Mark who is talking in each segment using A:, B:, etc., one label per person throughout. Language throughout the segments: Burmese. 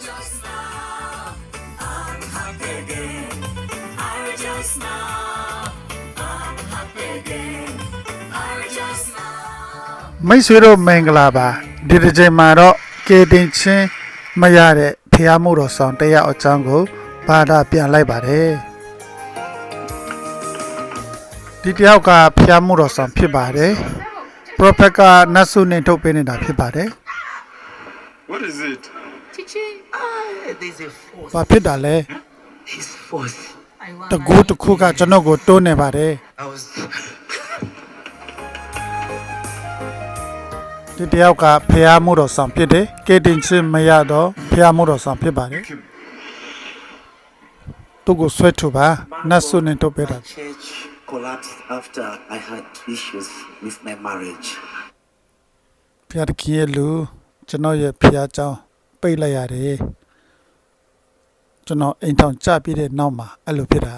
A: rejoice now. I'm happy again. I rejoice now. I'm happy again. I rejoice now.
B: မိတ်ဆွေတို့မင်္ဂလာပါဒီတစ်ချိန်မှာတော့ကေတင်ချင်းမရတဲ့ဖျားမှုတော်ဆောင်တရားအကြောင်းကိုဘာသာပြန်လိုက်ပါတယ်ဒီတယောက်ကဖျားမှုတော်ဆောင်ဖြစ်ပါတယ်ပရိုဖက်ကနတ်ဆုနဲ့ထုတ်ပေးနေတာဖြစ်ပါတယ်
C: What is it?
A: Teaching. There's a force.
B: ဘာဖြစ်တာလဲ
A: His force.
B: တကူတစ်ခုကကျွန်တော်ကိုတွန်းနေပါတယ်
A: I was.
B: ဒီတယောက်ကဖျားမှုတော်ဆောင်ဖြစ်တယ်ကေတင်ချင်းမရတော့ဖျားမှုတော်ဆောင်ဖြစ်ပါတယ်သူကိုဆွဲထုတ်ပါနတ်ဆုနဲ့ထုတ်ပေးတာ
A: Church collapsed after I had issues with my marriage.
B: ဖျားတခင်ရဲ့လူကျွန်တော်ရဲ့ဖျားเจ้าပိတ်လိုက်ရတယ်ကျွန်တော်အိမ်ထောင်ကြပြီးတဲ့နောက်မှာအဲ့လိုဖြစ်တာ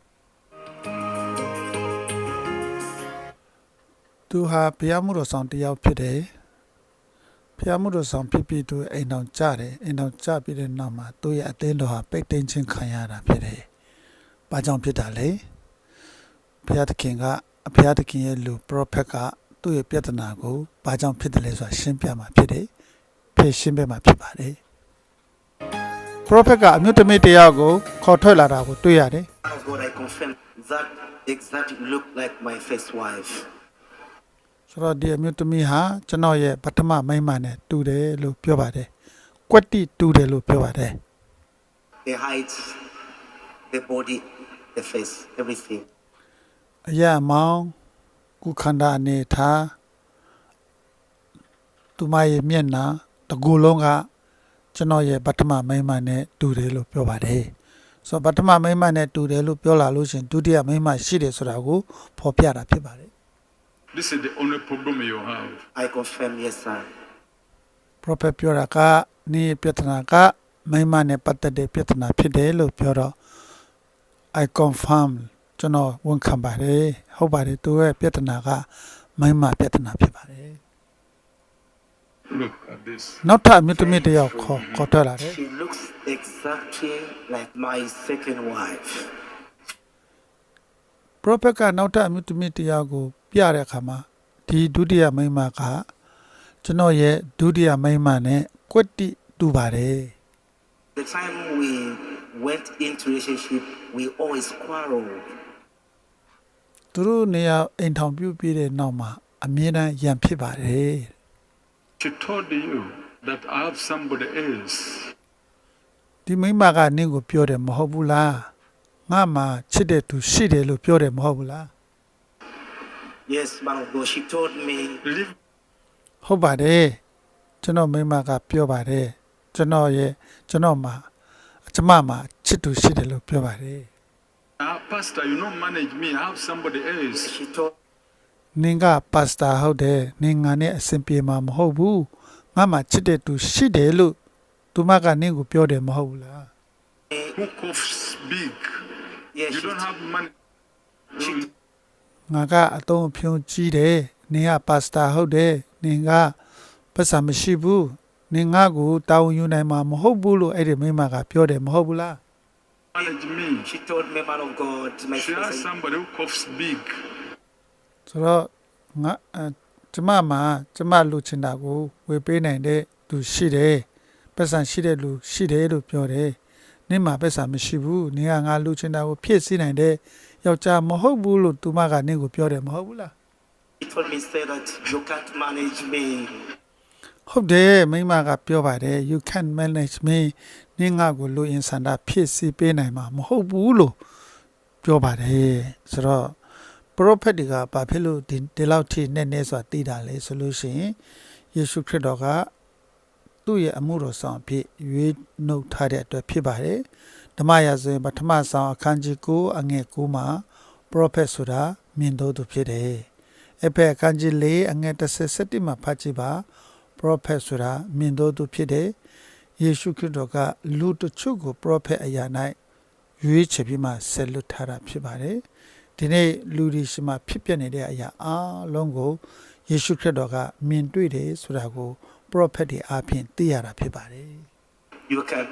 B: သူဟာဖျားမှုတော်ဆောင်တယောက်ဖြစ်တယ်ဖျားမှုတော်ဆောင်ဖြစ်ပြီးသူအိမ်ထောင်ကြတယ်အိမ်ထောင်ကြပြီးတဲ့နောက်မှာသူ့ရဲ့အသင်းတော်ဟာပိတ်သိမ်းခြင်းခံရတာဖြစ်တယ်။ဘာကြောင့်ဖြစ်တာလဲဖျားတခင်ကအဖျားတခင်ရဲ့လူပရိုဖက်ကသူ့ရဲ့ပြဿနာကိုဘာကြောင့်ဖြစ်တယ်လဲဆိုတာရှင်းပြမှာဖြစ်တယ်ဖြေရှင်းပေးမှာဖြစ်ပါတယ်ပရိုဖက်ကအမျိုးသမီးတယောက်ကိုခေါ်ထွက်လာတာကိုတွေ့ရတယ်
A: Man of God, I confirm that exactly looked like my first wife.
B: ဆိုတော့ဒီအမျိုးသမီးဟာကျွန်တော်ရဲ့ပထမမိန်းမနဲ့တူတယ်လို့ပြောပါတယ်ကွက်တိတူတယ်လို့ပြောပါတယ်
A: The height, the body, the face, everything.
B: အရာမောင်ကုခန္ဓာအနေထားသူမရဲ့မျက်နှာတကူလုံးကကျွန်တော်ရဲ့ပထမမိန်းမနဲ့တူတယ်လို့ပြောပါတယ်ဆိုတော့ပထမမိန်းမနဲ့တူတယ်လို့ပြောလာလို့ရှင်ဒုတိယမိန်းမရှိတယ်ဆိုတာကိုဖော်ပြတာဖြစ်ပါတယ်
C: This is the only problem you have.
A: I confirm, yes, sir.
B: prophet ပြောတာကနေ့ပြဿနာကမိန်းမနဲ့ပတ်သက်တဲ့ပြဿနာဖြစ်တယ်လို့ပြောတော့ I confirm ကျွန်တော်ဝန်ခံပါတယ်ဟုတ်ပါတယ်သူရဲ့ပြဿနာကမိန်းမပြဿနာဖြစ်ပါတယ်
C: Look at this.
B: နောက်ထပ်အမျိုးသမီးတစ်ယောက်ခေါ်ထွက်လာတယ်
A: She looks exactly like my second wife.
B: prophet ကနောက်ထပ်အမျိုးသမီးတစ်ယောက်ကိုပြတဲ့အခါမှာဒီဒုတိယမိန်းမကကျွန်တော်ရဲ့ဒုတိယမိန်းမနဲ့ကွက်တိတူပါတယ်
A: The time we went into relationship, we always quarreled.
B: သူတို့နေရာအိမ်ထောင်ပြုတ်ပြီးတဲ့နောက်မှာအမြဲတမ်းရန်ဖြစ်ပါတယ်
C: She told you that I have somebody else.
B: ဒီမိန်းမကနင့်ကိုပြောတယ်မဟုတ်ဘူးလားငါမှချစ်တဲ့သူရှိတယ်လို့ပြောတယ်မဟုတ်ဘူးလား
A: Yes, man of God, she told me.
C: Leave
B: ဟုတ်ပါတယ်ကျွန်တော်မိန်းမကပြောပါတယ်ကျွန်တော်မှာချစ်သူရှိတယ်လို့ပြောပါတယ်
C: Pastor, you don't manage me. I have somebody else.
A: She told
B: နင်ကပါစတာဟုတ်တယ်နင်ငါနဲ့အဆင်ပြေမှာမဟုတ်ဘူးငါမှချစ်တဲ့သူရှိတယ်လို့သူမကနင့်ကိုပြောတယ်မဟုတ်ဘူးလား
A: me.
C: Who coughs big?
A: Yes,
C: You don't have money.
A: she
B: ငါကအတုံးအဖြုံးကြီးတယ်နင်ကပါစတာဟုတ်တယ်နင်ကပတ်စံမရှိဘူးနင်ငါကိုတာဝန်ယူနိုင်မှာမဟုတ်ဘူးလို့အဲ့ဒီမိန်းမကပြောတယ်မဟုတ်ဘူးလား
C: Manage me.
A: she told me, man of God, my
C: She has
A: first.
C: somebody who coughs big.
B: ဆိုတော့ငါကျမလူချင်တာကိုဝေပေးနိုင်တဲ့သူရှိတယ်ပတ်စံရှိတဲ့လူရှိတယ်လို့ပြောတယ်နင်မှာပတ်စံမရှိဘူးနင်ကငါလူချင်တာကိုဖြည့်ဆည်းနိုင်တဲ့ယောက်ျားမဟုတ်ဘူးလို့သူမကနင့်ကိုပြောတယ်မဟုတ်ဘူးလား
A: She told me, say that you can't manage me.
B: ဟုတ်တယ်မိန်းမကပြောပါတယ် you can manage me နင်ငါကိုလူအင်ဆန္ဒဖြည့်ဆည်းပေးနိုင်မှာမဟုတ်ဘူးလို့ပြောပါတယ်ဆိုတော့ prophet တွေကဘာဖြစ်လို့ဒီလောက်ထိနဲ့ဆိုတာသိတာလဲဆိုလို့ရှိရင်ယေရှုခရစ်တော်ကသူ့ရဲ့အမှုတော်ဆောင်ဖြစ်ရွေးနှုတ်ထားတဲ့အတွက်ဖြစ်ပါတယ်ဓမ္မရာဇဝင်ပထမဆောင်အခန်းကြီး9အငယ်9မှာ prophet ဆိုတာမြင်တော်သူဖြစ်တယ်အဖေအခန်းကြီး4အငယ်17မှာဖတ်ကြည့်ပါ prophet ဆိုတာမြင်တော်သူဖြစ်တယ်ယေရှုခရစ်တော်ကလူတချို့ကို prophet အရာ၌ရွေးချယ်ပြီးမှဆက်လွတ်ထားတာဖြစ်ပါတယ်ဒီနေ့လူတွေရှိမှဖြစ်ပျက်နေတဲ့အရာအလုံးကိုယေရှုခရစ်တော်ကမြင်တွေ့တယ်ဆိုတာကို prophet တွေအားဖြင့်သိရတာဖြစ်ပါတယ်
A: You can.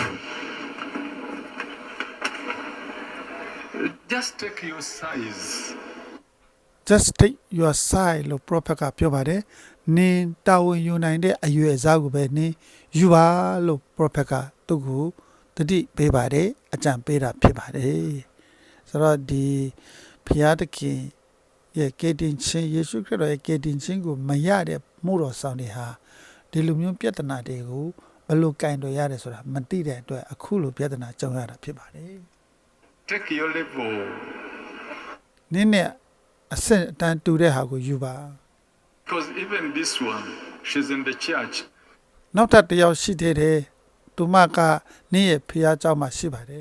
C: Just take your size.
B: just take your side လို့ prophet ကပြောပါတယ်နင်တာဝန်ယူနိုင်တဲ့အရွယ်အစားကိုပဲနင်ယူပါလို့ prophet ကသူ့ကိုတတိပေးပါတယ်အကြံပေးတာဖြစ်ပါတယ်ဆိုတော့ဒီဖျားတခင်ရဲ့ကယ်တင်ခြင်းယေရှုခရစ်တော်ရဲ့ကယ်တင်ခြင်းကိုမရတဲ့မှုတော်ဆောင်တွေဟာဒီလိုမျိုးပြဿနာတွေကိုဘယ်လိုကင်တော်ရတယ်ဆိုတာမသိတဲ့အတွက်အခုလိုပြဿနာကြုံရတာဖြစ်ပါတယ်
C: Take your level.
B: နင်းနဲ့အဆင့်အတန်းတူတဲ့ဟာကိုယူပါ
C: Because even this one, she's in the church.
B: နောက်ထပ်တစ်ယောက်ရှိသေးတယ်သူမကနင်းရဲ့ဖျားเจ้าမှာရှိပါတယ်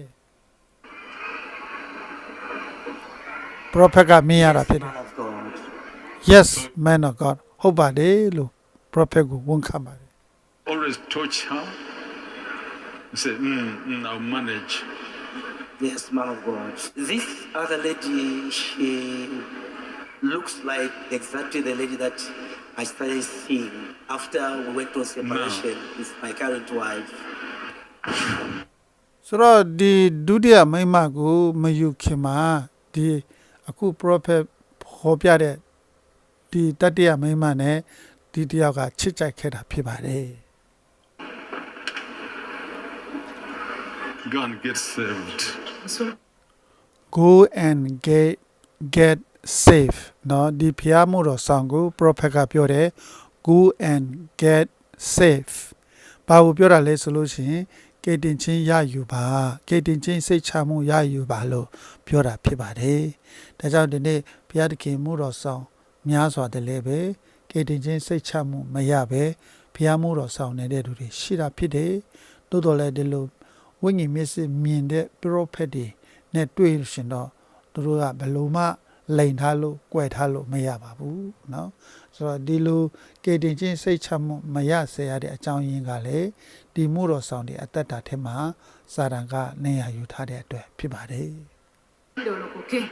B: prophet ကမြင်ရတာဖြစ်တယ်
A: Man of God.
B: yes man of god ဟုတ်ပါတယ်လို့ prophet ကိုဝန်ခံပါတယ်
C: Always touch her. Say, I'll manage.
A: Yes, man of God. This other lady, she looks like exactly the lady that I started seeing after we went on separation with my current wife.
B: ဆိုတော့ဒီဒုတိယမိန်းမကိုမယူခင်မှာဒီအခု prophet ဟောပြတဲ့ဒီတတိယမိန်းမနဲ့ဒီတယောက်ကချစ်ကြိုက်ခဲ့တာဖြစ်ပါတယ်
C: Go and get saved.
B: go and get safe เนาะဒီဖျားမှုတော်ဆောင်ကို prophet ကပြောတယ် go and get safe ဘာကိုပြောတာလဲဆိုလို့ရှိရင်ကယ်တင်ခြင်းရယူပါကယ်တင်ခြင်းစိတ်ချမှုရယူပါလို့ပြောတာဖြစ်ပါတယ်ဒါကြောင့်ဒီနေ့ဘုရားသခင်မှုတော်ဆောင်များစွာတည်းလည်းပဲကယ်တင်ခြင်းစိတ်ချမှုမရပဲဘုရားမှုတော်ဆောင်နေတဲ့သူတွေရှိတာဖြစ်တယ်တိုးတော်လည်းဒီလိုဝိညာဉ်မျက်စိမြင်တဲ့ prophet တွေနဲ့တွေ့လို့ရှင်တော့သူတို့ကဘယ်လိုမှလိန်ထားလို့ကြွယ်ထားလို့မရပါဘူးเนาะဆိုတော့ဒီလိုကယ်တင်ခြင်းစိတ်ချမှုမရစေရတဲ့အကြောင်းရင်းကလည်းဒီမှုတော်ဆောင်တွေအသက်တာထဲမှာစာတန်ကနေရာယူထားတဲ့အတွက်ဖြစ်ပါတယ်
D: Okay.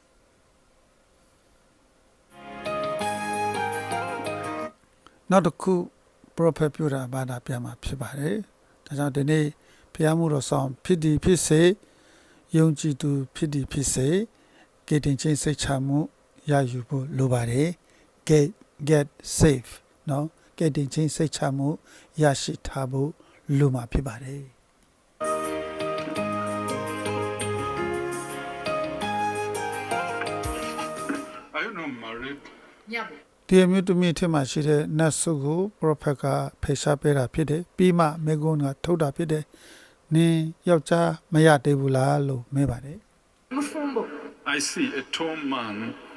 B: နောက်တစ်ခု prophet ပြောတာဘာသာပြန်မှာဖြစ်ပါတယ်ဒါကြောင့်ဒီနေ့ဘုရားမှုတော်ဆောင်ဖြစ်ဒီဖြစ်စေယုံကြည်သူဖြစ်ဒီဖြစ်စေကယ်တင်ခြင်းစိတ်ချမှုရယူဖို့လိုပါတယ် get safe เนาะကယ်တင်ခြင်းစိတ်ချမှုရရှိထားဖို့လိုမှာဖြစ်ပါတယ်
C: Are you not married?
D: Yeah.
B: ဒီအမျိုးသမီးထက်မှရှိတဲ့နတ်ဆုကို prophet ကဖေရှားပေးတာဖြစ်တယ်ပြီးမှမေဂွန်းကထုတ်တာဖြစ်တယ်နင်ယောက်ျားမရသေးဘူးလားလို့မေးပါတယ်
D: Mufumbo.
C: I see a tall man.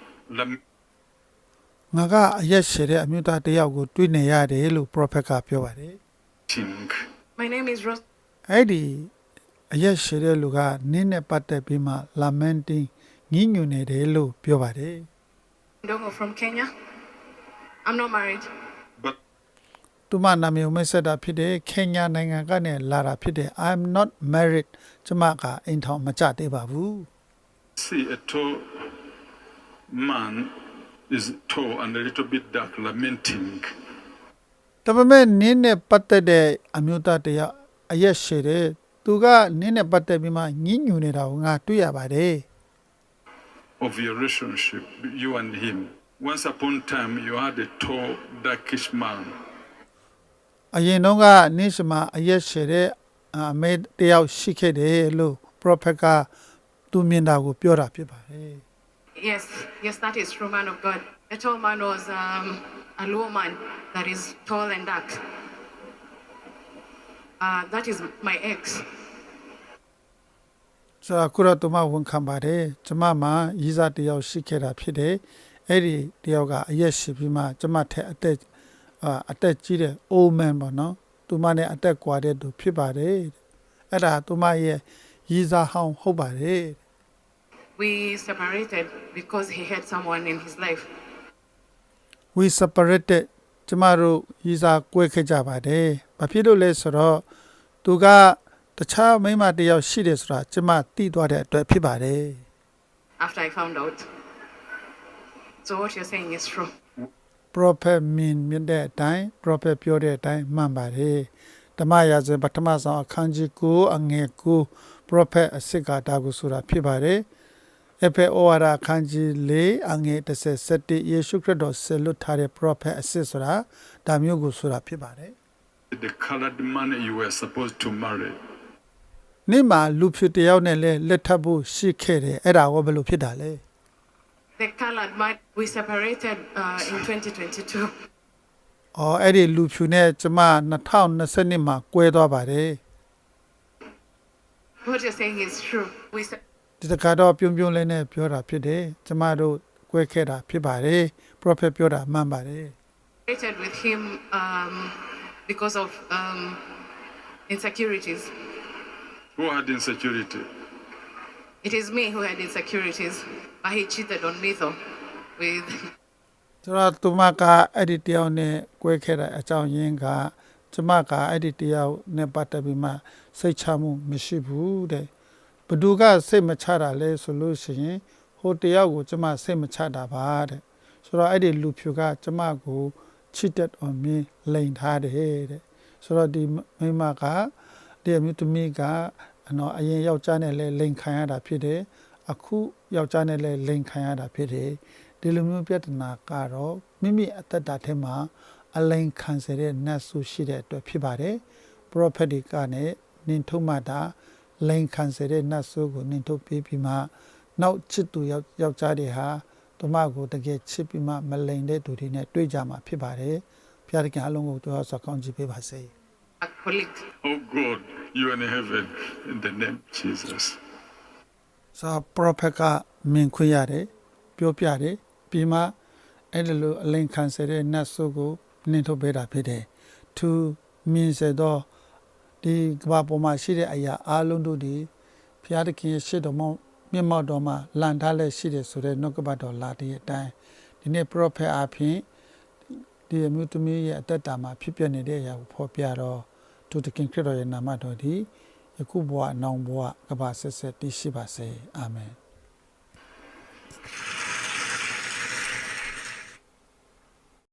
B: ငါကအရက်ရှည်တဲ့အမျိုးသားတစ်ယောက်ကိုတွေ့နေရတယ်လို့ prophet ကပြောပါတယ်
C: lamenting.
D: My name is Rose.
B: အဲ့ဒီအရက်ရှည်တဲ့လူကနင်းနဲ့ပတ်သက်ပြီးမှ lamenting ညှဉ်းညူနေတယ်လို့ပြောပါတယ်
D: Ndongo from Kenya. I'm not married.
C: But
B: သူမနာမည်ကိုမိတ်ဆက်တာဖြစ်တယ်ခင်ညာနိုင်ငံကနေလာတာဖြစ်တယ် I'm not married ကျမကအိမ်ထောင်မကြသေးပါဘူး
C: see a tall man is tall and a little bit dark, lamenting.
B: ဒါပေမဲ့နင်းနဲ့ပတ်သက်တဲ့အမျိုးသားတစ်ယောက်အရက်ရှည်တယ်သူကနင်းနဲ့ပတ်သက်ပြီးမှညှဉ်းညူနေတာကိုငါတွေ့ရပါတယ်
C: Of your relationship, you and him. Once upon a time, you had a tall, darkish man.
B: အရင်တော့ကနင်းစမအရက်ရှည်တဲ့အမေတယောက်ရှိခဲ့တယ်လို့ prophet ကသူမြင်တာကိုပြောတာဖြစ်ပါတယ်
D: Yes, that is true, man of God. The tall man was a low man that is tall and dark. That is my ex.
B: ဆိုတော့ခုတော့သူမဝန်ခံပါတယ်ကျမမှာရီးစားတစ်ယောက်ရှိခဲ့တာဖြစ်တယ်အဲ့ဒီတစ်ယောက်ကအရက်ရှိပြီးမှကျမထက်အသက်ကြီးတဲ့ old man ပေါ့နော်သူမနဲ့အသက်ကွာတဲ့သူဖြစ်ပါတယ်အဲ့ဒါသူမရဲ့ရီးစားဟောင်းဟုတ်ပါတယ်
D: We separated because he had someone in his life.
B: we separated ကျမတို့ရီးစားကွဲခဲ့ကြပါတယ်ဘာဖြစ်လို့လဲဆိုတော့သူကတခြားမိန်းမတစ်ယောက်ရှိတယ်ဆိုတာကျမသိသွားတဲ့အတွက်ဖြစ်ပါတယ်
D: After I found out. So what you're saying is true.
B: prophet မြင်တဲ့အတိုင်း prophet ပြောတဲ့အတိုင်းမှန်ပါတယ်ဓမ္မရာဇဝင်ပထမဆုံးအခန်းကြီး9အငယ်9 prophet အစစ်ကဒါကိုဆိုတာဖြစ်ပါတယ်အဖေဩဝါဒအခန်းကြီး4အငယ်17ယေရှုခရစ်တော်ဆက်လွတ်ထားတဲ့ prophet အစစ်ဆိုတာဒါမျိုးကိုဆိုတာဖြစ်ပါတယ်
C: The colored man you were supposed to marry.
B: နေ့မှာလူဖြူတယောက်နဲ့လည်းလက်ထပ်ဖို့ရှိခဲ့တယ်အဲ့ဒါကဘယ်လိုဖြစ်တာလဲ
D: The colored man, we separated in 2022.
B: အော်အဲ့ဒီလူဖြူနဲ့ကျမ2020မှာကွဲသွားပါတယ်
D: What you're saying is true. We
B: ဒီတခါတော့ပြုံးလေးနဲ့ပြောတာဖြစ်တယ်ကျမတို့ကွဲခဲ့တာဖြစ်ပါတယ် prophet ပြောတာမှန်ပါတယ်
D: separated with him because of insecurities.
C: Who had insecurity?
D: It is me who had insecurities, but he cheated on me though. With
B: ဆိုတော့သူမကအဲ့ဒီတယောက်နဲ့ကွဲခဲ့တဲ့အကြောင်းရင်းကကျမကအဲ့ဒီတယောက်နဲ့ပတ်သက်ပြီးမှစိတ်ချမှုမရှိဘူးတဲ့ဘသူကစိတ်မချတာလဲဆိုလို့ရှိရင်ဟိုတယောက်ကိုကျမစိတ်မချတာပါတဲ့ဆိုတော့အဲ့ဒီလူဖြူကကျမကို cheated on me လိန်ထားတယ်တဲ့ဆိုတော့ဒီမိမကဒီအမျိုးသမီးကအရင်ယောက်ျားနဲ့လည်းလိန်ခံရတာဖြစ်တယ်အခုယောက်ျားနဲ့လည်းလိန်ခံရတာဖြစ်တယ်ဒီလိုမျိုးပြဿနာကတော့မိမိအသက်တာထဲမှာအလိန်ခံစေတဲ့နတ်ဆုရှိတဲ့အတွက်ဖြစ်ပါတယ် prophet ကနဲ့နင်ထုတ်မှတာလိန်ခံစေတဲ့နတ်ဆုကိုနင်ထုတ်ပြီးမှနောက်ချစ်သူယောက်ျားတွေဟာသူမကိုတကယ်ချစ်ပြီးမှမလိန်တဲ့သူတွေနဲ့တွေ့ကြမှာဖြစ်ပါတယ်ဖျားတခင်အလုံးကိုတော်စွာကောင်းချီးပေးပါစေ
D: a colleague.
C: Oh God, you are in heaven in the name of Jesus.
B: စာ prophet ကမြင်ခွင့်ရတယ်ပြောပြတယ်ပြီးမှအဲ့ဒီလိုအလိန်ခံစေတဲ့နတ်ဆုကိုနင်ထုတ်ပေးတာဖြစ်တယ်သူမြင်စေတော့ဒီကမ္ဘာပေါ်မှာရှိတဲ့အရာအလုံးတို့ဒီဘုရားသခင်ရဲ့ရှေ့တော်မှာမျက်မှောက်တော်မှာလန်ထားလက်ရှိတယ်ဆိုတဲ့နှုတ်ကပတ်တော်လာတဲ့အတိုင်းဒီနေ့ prophet အဖြစ်ဒီအမျိုးသမီးရဲ့အသက်တာမှာဖြစ်ပျက်နေတဲ့အရာကိုဖော်ပြတော့သူသခင်ခရစ်တော်ရဲ့နာမတော်ဒီယခုဘဝနောင်ဘဝကမ္ဘာဆက်ဆက်တည်ရှိပါစေအာမင်